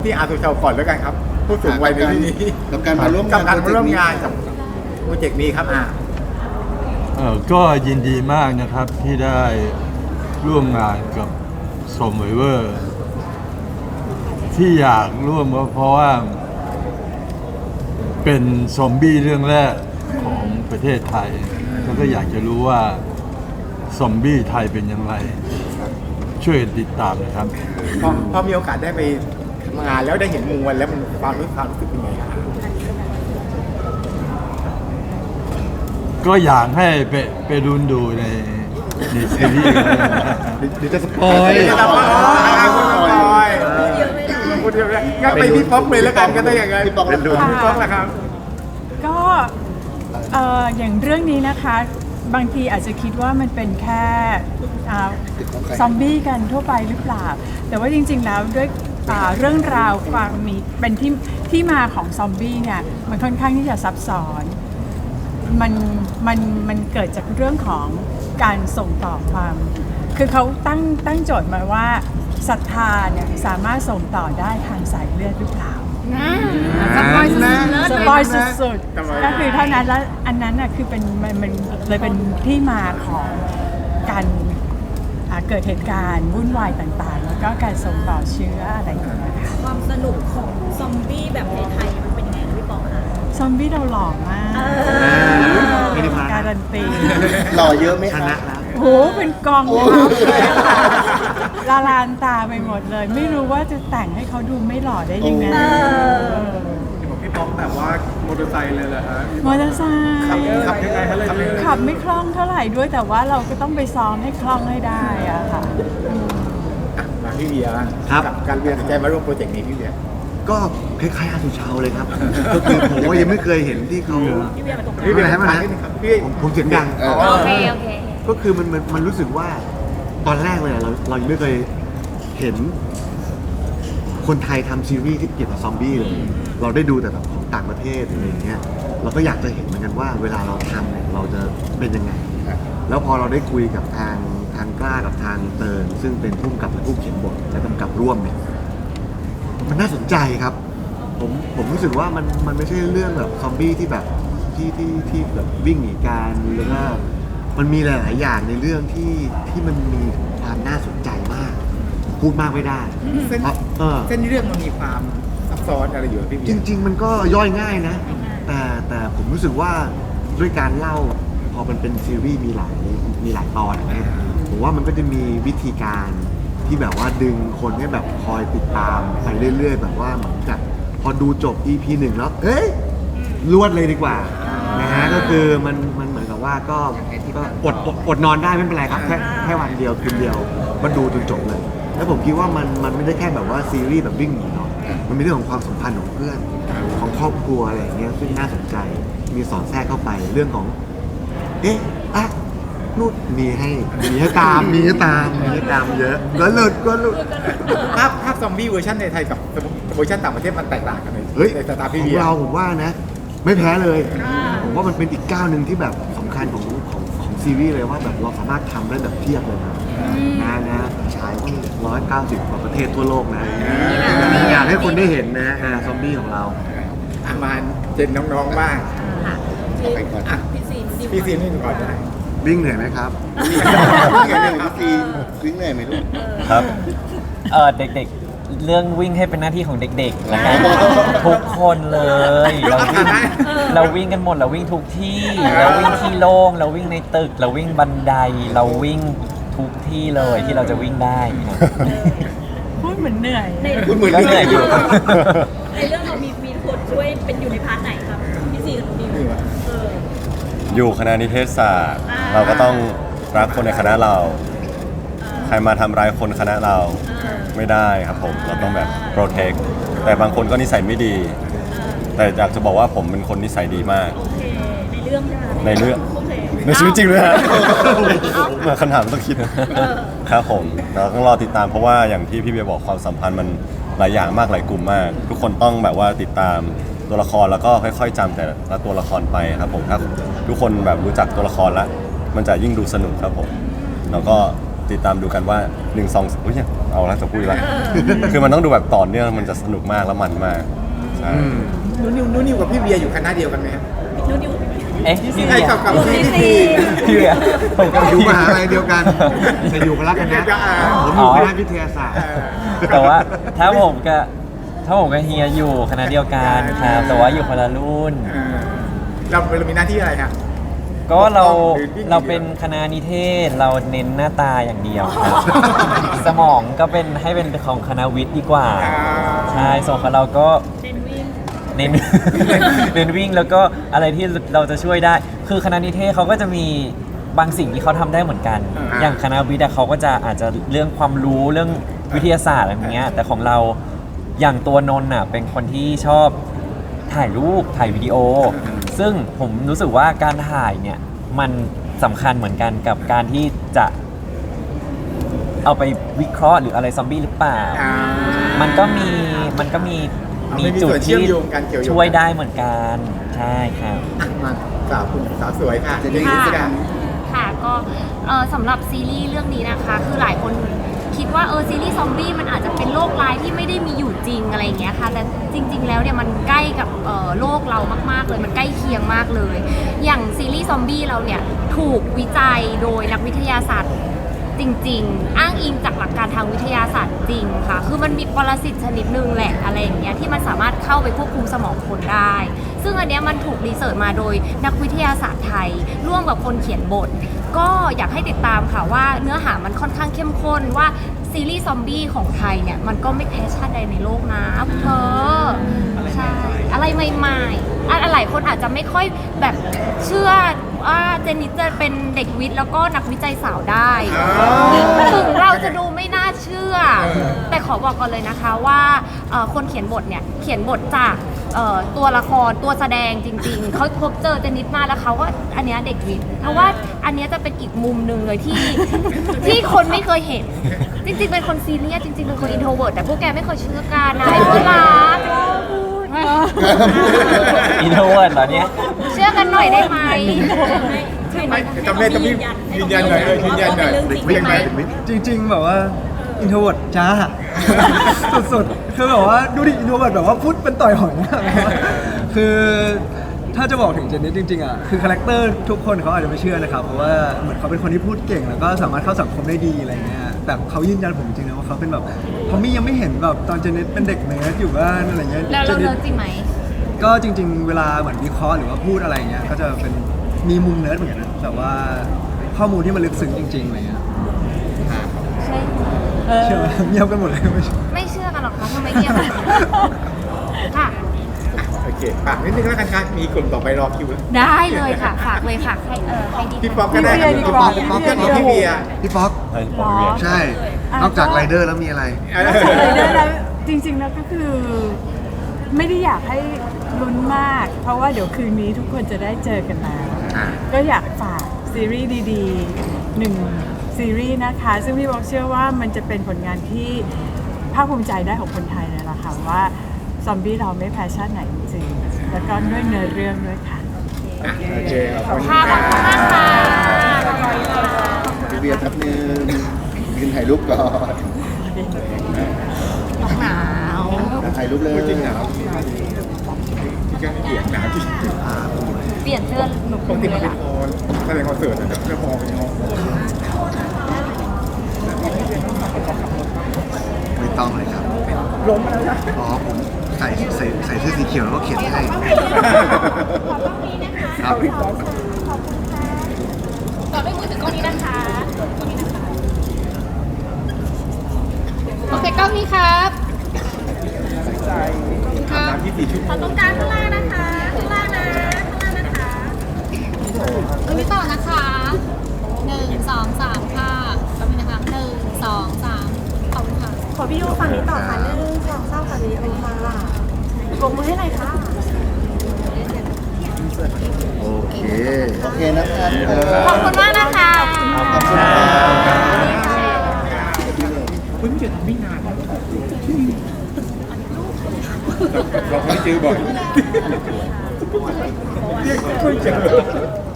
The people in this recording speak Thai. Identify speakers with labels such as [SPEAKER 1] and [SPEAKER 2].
[SPEAKER 1] ที่อาสุชาวก่อนแล้วกันครับผู้สูงวัยในที่นี้
[SPEAKER 2] กับการมาร่วม
[SPEAKER 1] กับ
[SPEAKER 2] งาน
[SPEAKER 1] การมาร่วมงานกับโปรเจกต์นี้ครับ
[SPEAKER 3] ก็ยินดีมากนะครับที่ได้ร่วมงานกับสมไวเวอร์ที่อยากร่วมก็เพราะว่าเป็นซอมบี้เรื่องแรกของประเทศไทยแล้วก็อยากจะรู้ว่าซอมบี้ไทยเป็นอย่างไรช่วยติดตามนะครับ
[SPEAKER 1] พอมีโอกาสได้ไปทำงานแล้วได้เห็นมวลแล้วมันความรู้สึกเป็นไงครับ
[SPEAKER 3] ก็อยากให้ไปดูในซีรีส์
[SPEAKER 2] เดี๋ยวจะสปอย
[SPEAKER 1] จะทำพูดเยอะเลยงั้นไปพี่ป๊อกเลยแล้วกันก็ได้อย่างไง
[SPEAKER 2] พี่ป๊อก
[SPEAKER 1] เป็นดูพี่ป๊อกนะครับ
[SPEAKER 4] ก็อย่างเรื่องนี้นะคะบางทีอาจจะคิดว่ามันเป็นแค่ซอมบี้กันทั่วไปหรือเปล่าแต่ว่าจริงๆแล้วด้วยเรื่องราวความมีเป็นที่มาของซอมบี้เนี่ยมันค่อนข้างที่จะซับซ้อนมันเกิดจากเรื่องของการส่งต่อความคือเขาตั้งโจทย์มาว่าศรัทธาเนี่ยสามารถส่งต่อได้ทางสายเลือดหรือเปล่าสปอยสุดๆก็คือเท่านั้นแล้วอันนั้นน่ะคือเป็นมันเลยเป็นที่มาของการเกิดเหตุการณ์วุ่นวายต่างๆแล้วก็การส่งต่อเชื้ออะไรอย่างเงี้ยค่ะ
[SPEAKER 5] ความสนุกของซอมบี้แบบไทยๆมันเป็นยังไงคะพี่ปองคะ
[SPEAKER 4] ซอมบี้เราหล่อมากการันตี
[SPEAKER 2] หล่อเยอะไหม
[SPEAKER 1] ช
[SPEAKER 2] คะ
[SPEAKER 1] นะแล้ว
[SPEAKER 4] โหเป็นกองทัพเลยค่ะละลานตาไปหมดเลย ไม่รู้ว่าจะแต่งให้เขาดูไม่หล่อได้ยังไง
[SPEAKER 1] พี่ป๊อกแบบว่ามอเตอร์ไซค์เลยเหรอฮะ
[SPEAKER 4] มอเตอร์ไซค์
[SPEAKER 1] ขับยังไงฮะเลย
[SPEAKER 4] ขับไม่คล่องเท่าไหร่ด้วยแต่ว่าเราก็ต้องไปซ้อมให้คล่องให้ได้อะค่ะ
[SPEAKER 1] มาพี่เบียร์
[SPEAKER 2] ครับ
[SPEAKER 1] การเบียร์ตัดสินใจมาร่วมโปรเจกต์นี้พี่เบียร์
[SPEAKER 2] ก็คล้ายๆอาสุชาวเลยครับ ก็คือผมว่ายังไม่เคยเห็นที่เขา
[SPEAKER 5] พี่เวียมาตรงกลาง
[SPEAKER 2] พี่เป็นอะไรให้มันนะ
[SPEAKER 1] พี่
[SPEAKER 2] ผมเสียงดัง
[SPEAKER 5] โอเคโอเค
[SPEAKER 2] ก็คือมันรู้สึกว่าตอนแรกเลยเรายังไม่เคยเห็นคนไทยทำซีรีส์ที่เกี่ยวกับซอมบี้เลย เราได้ดูแต่แบบของต่างประเทศอะไรอย่างเงี้ยเราก็อยากจะเห็นเหมือนกันว่าเวลาเราทำเนี่ยเราจะเป็นยังไง แล้วพอเราได้คุยกับทางกล้ากับทางเติร์นซึ่งเป็นผู้กำกับและผู้เขียนบทและกำกับร่วมเนี่ยมันน่าสนใจครับ ผมรู้สึกว่ามันไม่ใช่เรื่องแบบซอมบี้ที่แบบที่แบบวิ่งหนีกันแล้วก็มันมีหลายๆอย่างในเรื่องที่มันมีความน่าสนใจมาก พูดมากไม่ได้
[SPEAKER 1] เส้น เส้นเรื่องมันมีความซับซ้อนอะไรอยู่พี่เบีย
[SPEAKER 2] จ
[SPEAKER 1] ร์
[SPEAKER 2] ริง ๆ มันก็ย่อยง่ายนะ แต่ผมรู้สึกว่าด้วยการเล่าพอมันเป็นซีรีส์มีหลายตอนอย่างเงี้ยผมว่ามันก็จะมีวิธีการที่แบบว่าดึงคนให้แบบคอยติดตามไปเรื่อยๆ แบบว่าเหมือนกับพอดูจบ EP 1 แล้วเอ้ยรวดเลยดีกว่านะฮะก็คือมันเหมือนกับว่าก็อดนอนได้ไม่เป็นไรครับแค่วันเดียวคืนเดียวมาดูจนจบเลย แล้วผมคิดว่ามันไม่ได้แค่แบบว่าซีรีส์แบบวิ่งหนีเนาะมันมีเรื่องของความสัมพันธ์ของเพื่อนของครอบครัวอะไรอย่างเงี้ยซึ่งน่าสนใจมีสอดแทรกเข้าไปเรื่องของนู่นมีให้ตามเยอะก็หลุด
[SPEAKER 1] ภาพซอมบี้เวอร์ชันในไทยกับเวอร์ชันต่างประเทศมันแตกต่างกันไหม
[SPEAKER 2] เฮ้ย
[SPEAKER 1] ในสไตล์
[SPEAKER 2] ข
[SPEAKER 1] พี่
[SPEAKER 2] อง
[SPEAKER 1] เบียร์
[SPEAKER 2] เราผมว่านะ ไม่แพ้เลย ผมว่ามันเป็นอีกก้าวหนึ่งที่แบบสำคัญของซีรีส์เลยว่าแบบเราสามารถทำได้แบบเทียบเลยนะฉายว่า190กว่าประเทศทั่วโลกนะอยากให้คนได้เห็นนะซอมบี้ของเรา
[SPEAKER 1] มาเจนน้องๆบ้าง
[SPEAKER 5] พี่
[SPEAKER 1] ไปก่อนอ่ะ
[SPEAKER 5] พี่ซีน
[SPEAKER 1] พี่ซีนี่ก่อนได้
[SPEAKER 2] วิ่งเหนื่อยไหมครับ วิ่งเหนื่อยไหมลูก
[SPEAKER 6] ครับเด็กๆ เรื่องวิ่งให้เป็นหน้าที่ของเด็กๆแล้วกันทุกคนเลยเราวิ่งกันหมดเราวิ่งทุกที่เราวิ่งที่โล่งเราวิ่งในตึกเราวิ่งบันไดเราวิ่งทุกที่เลยที่เราจะวิ่งได้ครับ
[SPEAKER 4] พูดเหมือนเหนื่อย
[SPEAKER 1] คุณเหมือน
[SPEAKER 6] ก็เหนื่อยอยู่
[SPEAKER 5] ในเรื่องเรามีคนช่วยเป็นอยู่ในพาร์ทไหนครับพี่ซีกับน้องดิวอ
[SPEAKER 7] อยู่คณะนิเทศศาสตร์ เราก็ต้องรักคนในคณะเรา ใครมาทำร้ายคนคณะเราไม่ได้ครับผมเราต้องแบบโปรเทคแต่บางคนก็นิสัยไม่ดี แต่อยากจะบอกว่าผมเป็นคนนิสัยดีมาก
[SPEAKER 5] โอเคในเรื่องใช่ไหม
[SPEAKER 7] ในเรื่อง
[SPEAKER 5] โอเค
[SPEAKER 7] ในชีวิตจริงเลยฮะมาคำถามต้องคิดนะครับผมเราต้องรอติดตามเพราะว่าอย่างที่พี่เบียร์บอกความสัมพันธ์มันหลายอย่างมากหลายกลุ่มมาก ทุกคนต้องแบบว่าติดตามตัวละครแล้วก็ค่อยๆจำแต่ละตัวละครไปครับผมถ้าทุกคนแบบรู้จักตัวละครแล้วมันจะยิ่งดูสนุกครับผมแล้วก็ติดตามดูกันว่า1 2อุ้ยเอาละจะพูดละคือมันต้องดูแบบต่อเนื่องมันจะสนุกมากแล้วมันมากใช่
[SPEAKER 1] นุ่นนิวกับพี่เวียอยู่คณะเดียวกันไหมครับ
[SPEAKER 5] นู่นอยู่
[SPEAKER 6] เอ๊ะพี่
[SPEAKER 1] ไอ้
[SPEAKER 6] เวีย
[SPEAKER 1] กับพี่
[SPEAKER 6] พี่เวียผมก็
[SPEAKER 2] อยู่มหาลัยเดียวกันแต่อยู่คนละคณะผมอยู่คณะวิทยาศาสตร์
[SPEAKER 6] แต่ว่าถ้าผมกับเฮียอยู่คณะเดียวกันครับแต่ว่าอยู่คนละรุ่น
[SPEAKER 1] เรามีหน้าที่อะไรครับ
[SPEAKER 6] ก็เรา
[SPEAKER 1] หรือวิ่ง
[SPEAKER 6] เราเป็นคณะนิเทศเราเน้นหน้าตาอย่างเดียวครับ สมองก็เป็นให้เป็นของคณะวิทย์ดีกว่า ใช่ส่วนของเราก็
[SPEAKER 5] เน้นวิ่ง
[SPEAKER 6] เน้น เน้นวิ่งแล้วก็อะไรที่เราจะช่วยได้ คือคณะนิเทศเขาก็จะมีบางสิ่งที่เขาทำได้เหมือนกัน อย่างคณะวิทย์อะเขาก็จะอาจจะเรื่องความรู้เรื่องวิทยาศาสตร์อะไรอย่างเงี้ย แต่ของเราอย่างตัวนนท์อะเป็นคนที่ชอบถ่ายรูปถ่ายวิดีโอ ซึ่งผมรู้สึกว่าการถ่ายเนี่ยมันสำคัญเหมือนกันกับการที่จะเอาไปวิเคราะห์หรืออะไรซอมบี้หรือเปล่า มันก็มีจุดที่ช่วยได้เหมือนกันใช่ครับ
[SPEAKER 1] มาสาวคุณสาวสวยค่ะจะได้ยินสักอย่าง
[SPEAKER 8] ค่ะก็สำหรับซีรีส์เรื่องนี้นะคะ คือหลายคนคิดว่าซีรีส์ซอมบี้มันอาจจะเป็นโรคร้ายที่ไม่ได้มีอยู่จริงอะไรอย่างเงี้ยค่ะแต่จริง ๆ แล้วเนี่ยมันใกล้กับโลกเรามากๆเลยมันใกล้เคียงมากเลย อย่างซีรีส์ซอมบี้เราเนี่ยถูกวิจัยโดยนักวิทยาศาสตร์จริงๆอ้างอิงจากหลักการทางวิทยาศาสตร์จริงค่ะคือมันมีปรสิตชนิดหนึ่งแหละอะไรอย่างเงี้ยที่มันสามารถเข้าไปควบคุมสมองคนได้ ซึ่งอันเนี้ยมันถูกรีเสิร์ชมาโดยนักวิทยาศาสตร์ไทยร่วมกับคนเขียนบท ก็อยากให้ติดตามค่ะว่าเนื้อหามันค่อนข้างเข้มข้นว่าซีรีส์ซอมบี้ของไทยเนี่ยมันก็ไม่แพ้ชาติใดในโลกนะเธอใช่อะไรใหม่ๆหลายคนอาจจะไม่ค่อยแบบเชื่อว่าเจนนิสจะเป็นเด็กวิทย์แล้วก็นักวิจัยสาวได้ถึงเราจะดูไม่น่าเชื่อ แต่ขอบอกก่อนเลยนะคะว่าคนเขียนบทเนี่ยเขียนบทจากตัวละครตัวแสดงจริงๆเขาพบเจอเจนนิสมาแล้วเขาว่าอันเนี้ยเด็กวิทย์เพราะว่าอันเนี้ยจะเป็นอีกมุมหนึ่งเลยที่คนไม่เคยเห็น จริงๆเป็นคนซีเรียสจริงๆเป็นคนอินโทรเวิร์ตแต่พวกแกไม่เคยเชื่อกันนะไอ้พวกรัก
[SPEAKER 6] อินโทรเวิร์ดเหรอเนี่ย
[SPEAKER 8] เชื่อกันหน่อยได้ไหม
[SPEAKER 1] ไม่จำได้ต้องยืนยันหน่อยยืนยันหน่อย
[SPEAKER 8] จริงไหม
[SPEAKER 9] จริงๆแบบว่าอินโทรเวิร์ดจ้า สุดๆคือแบบว่าดูดิอินโทรเวิร์ดแบบว่าพูดเป็นต่อยหอยอะคือถ้าจะบอกถึงเจนนี่จริงๆอ่ะคือคาแรคเตอร์ทุกคนเขาอาจจะไม่เชื่อนะครับเพราะว่าเหมือนเขาเป็นคนที่พูดเก่งแล้วก็สามารถเข้าสังคมได้ดีอะไรเงี้ยแต่เขายืนยันผมจริงๆนะว่าเขาเป็นแบบเพราะมี่ยังไม่เห็นแบบตอนเจนนี่เป็นเด็กเนิร์ดอยู่บ้านอะไรเงี้ย
[SPEAKER 8] แล้วเราเลิกจริงไหม
[SPEAKER 9] ก็จริงๆ เวลาเหมือนวิเคราะห์หรือว่าพูดอะไรเงี้ยก็จะเป็นมีมุมเนิร์ดเหมือนกันนะแต่ว่าข้อมูลที่มันลึกซึ้งจริงๆอะไรเงี้ย
[SPEAKER 8] ใช่
[SPEAKER 9] เชื่อไหมเงียบกันหมดเลยไม่เชื่อ
[SPEAKER 8] ไม่เชื่อกันหรอกคะทำไมเงียบค่ะ
[SPEAKER 1] โอเคฝากนิดนึงแล้วกันค่ะมีกลุ่มต่อไปรอคิวแล้ว
[SPEAKER 8] ได้เลยค่ะ ฝากเลยค่ะใครดี
[SPEAKER 1] พี่ป๊อกก็ได้ครับพี่ป๊อกพี่เวีย
[SPEAKER 2] พี่ป๊อก
[SPEAKER 7] ไอ้ผมเวีย
[SPEAKER 2] ใช่ นอกจากไรเดอร์แล้วมีอะไร
[SPEAKER 4] เลยได้แล้วจริงๆแล้วก็คือไม่ได้อยากให้ลุ้นมาก เพราะว่าเดี๋ยวคืนนี้ทุกคนจะได้เจอกันแล้วก็อยากฝากซีรีส์ดีๆหนึ่งซีรีส์นะคะ ซึ่งพี่บอกเชื่อว่ามันจะเป็นผลงานที่ภาคภูมิใจได้ของคนไทยเลยล่ะค่ะว่าซอมบี้เราไม่แพ้ชาติไหนจริงๆแล้วก็ด้วยเนื้อเรื่องด้วยค่ะ
[SPEAKER 1] โอเคขอบคุณ
[SPEAKER 8] ค่ะขอบคุณมากค่ะ
[SPEAKER 10] พี่เบียร์แป๊บนึงยืนถ่ายรูปก่อน
[SPEAKER 8] หนาว
[SPEAKER 10] ถ่ายรูปเลย
[SPEAKER 1] จริงหนาวแกเกลียดหนาวจริง
[SPEAKER 8] เปลี่ยนเสื้อหนุ
[SPEAKER 1] ปกติ
[SPEAKER 8] เล
[SPEAKER 1] มัน
[SPEAKER 8] ย
[SPEAKER 1] เป็น
[SPEAKER 8] ล่ะ
[SPEAKER 1] คอนแสดงคอนเสิร์ตแต่เสื้อพอเป็นห้อง
[SPEAKER 2] ไม่ต้องเลยครับล้มแล้วนะอ๋อผมใส่เสื้อสีเขียวแล้วก็เขียนให้ครับ
[SPEAKER 8] ต่อด้วยมือถือกล้องนี้นะคะโอเคกล้องนี้ครับครับ
[SPEAKER 1] 24 ชั่วโม
[SPEAKER 8] ของ ตรงกลางข้างล่างนะคะข้างล่างนะคะตรงนี้ต่อนะคะ1 2 3ค่ะตรงนี้นะคะ1 2 3ขอบคุณค่ะ
[SPEAKER 5] ขอพี่ยูฝั่งนี้ต่อค่ะ1 2 3ฝั่งนี้โอมาปรบมือให้หน่อยค่ะ
[SPEAKER 10] โอเค โอเคนะครับ
[SPEAKER 8] ขอบคุณมากนะคะ
[SPEAKER 10] ขอบคุณครับ
[SPEAKER 1] เพิ่งจะทำไม่นานเราไม่เจอบ่อยเพิ่งเจอ